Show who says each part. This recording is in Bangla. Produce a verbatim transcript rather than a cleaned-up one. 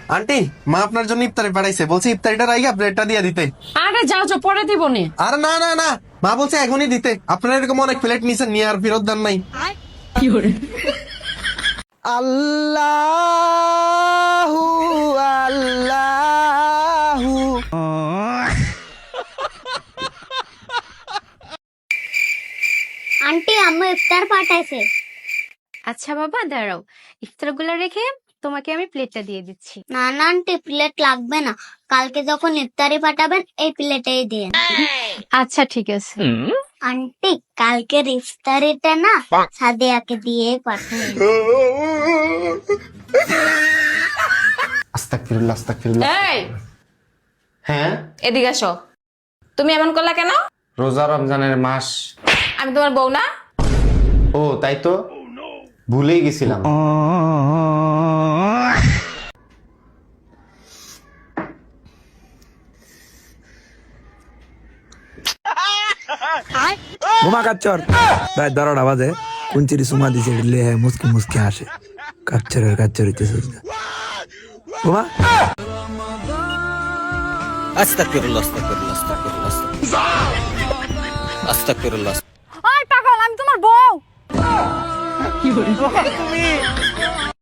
Speaker 1: আন্টি, মা আপনার জন্য ইফতারি পাঠাইছে, বলছে ইফতারিটা রাইগা প্লেটটা দিয়ে দিতে।
Speaker 2: আরে যাও যাও, পরে দিব নি।
Speaker 1: আরে না না না, মা বলছে এখনই দিতে। আপনারা এরকম অনেক প্লেট নিছেন, নিয়ে আর ফেরত দেন নাই। আল্লাহু আল্লাহু।
Speaker 3: আন্টি আম্মু ইফতার পাঠাইছে।
Speaker 4: আচ্ছা বাবা দাঁড়াও, ইফতারগুলো রেখে তোমাকে আমি প্লেটটা দিয়ে দিচ্ছি।
Speaker 3: না না আন্টি, প্লেট লাগবে না, কালকে যখন ইফতারি পাঠাবেন এই প্লেটেই দিন।
Speaker 4: আচ্ছা ঠিক আছে।
Speaker 3: আন্টি কালকের ইফতারিটা না সাদিয়াকে দিয়ে পাঠাই।
Speaker 1: আস্তাগফিরুল্লাহ আস্তাগফিরুল্লাহ।
Speaker 5: এই
Speaker 1: হ্যাঁ,
Speaker 5: এদিকে আসো। তুমি এমন করলা কেন?
Speaker 1: রোজা রমজানের মাস।
Speaker 5: আমি তোমার বউ না?
Speaker 1: ও তাই তো, ভুলেই গেছিলাম।
Speaker 6: ঘুমা কাচ্চর রাত বারোটা বাজে কুঞ্চিরি সুমা দিছে লে মুসকি মুসকি হাসে কাচ্চরের কাচ্চর হইতেছে ঘুমা।
Speaker 7: আস্তাগফিরুল্লাহ আস্তাগফিরুল্লাহ আস্তাগফিরুল্লাহ আস্তাগফিরুল্লাহ।
Speaker 2: ওই পাগল, আমি তোমার বউ।